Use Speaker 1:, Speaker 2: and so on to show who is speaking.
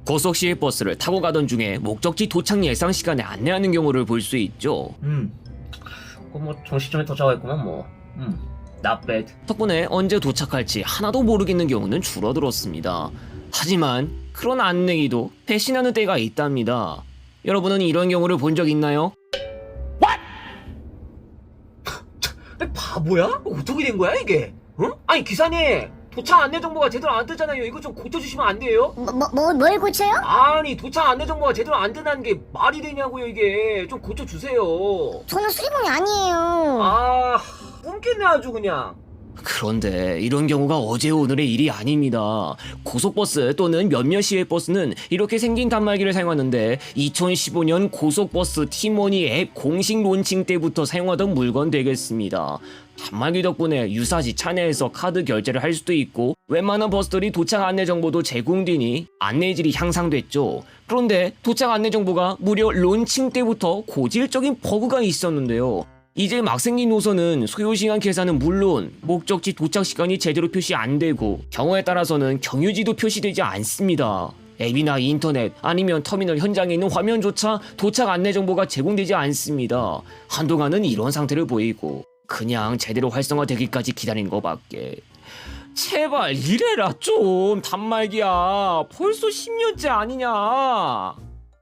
Speaker 1: 고속 시외버스를 타고 가던 중에 목적지 도착 예상 시간에 안내하는 경우를 볼 수 있죠.
Speaker 2: 뭐 정시점에 도착했구만 뭐. Not bad.
Speaker 1: 덕분에 언제 도착할지 하나도 모르겠는 경우는 줄어들었습니다. 하지만 그런 안내기도 배신하는 때가 있답니다. 여러분은 이런 경우를 본 적 있나요?
Speaker 2: 바보야? 어떻게 된 거야 이게? 응? 아니 기사님, 도착 안내 정보가 제대로 안 뜨잖아요. 이거 좀 고쳐주시면 안 돼요?
Speaker 3: 뭘 고쳐요?
Speaker 2: 아니 도착 안내 정보가 제대로 안 뜨는 게 말이 되냐고요. 이게 좀 고쳐주세요.
Speaker 3: 저는 수리공이 아니에요.
Speaker 2: 아, 꿈깼네 아주 그냥.
Speaker 1: 그런데 이런 경우가 어제 오늘의 일이 아닙니다. 고속버스 또는 몇몇 시외버스는 이렇게 생긴 단말기를 사용하는데 2015년 고속버스 티머니 앱 공식 론칭 때부터 사용하던 물건 되겠습니다. 단말기 덕분에 유사시 차내에서 카드 결제를 할 수도 있고 웬만한 버스들이 도착 안내 정보도 제공되니 안내질이 향상됐죠. 그런데 도착 안내 정보가 무려 론칭 때부터 고질적인 버그가 있었는데요. 이제 막 생긴 노선은 소요시간 계산은 물론 목적지 도착 시간이 제대로 표시 안 되고 경우에 따라서는 경유지도 표시되지 않습니다. 앱이나 인터넷 아니면 터미널 현장에 있는 화면조차 도착 안내 정보가 제공되지 않습니다. 한동안은 이런 상태를 보이고 그냥 제대로 활성화되기까지 기다린 거밖에. 제발 이래라 좀 단말기야. 벌써 10년째 아니냐.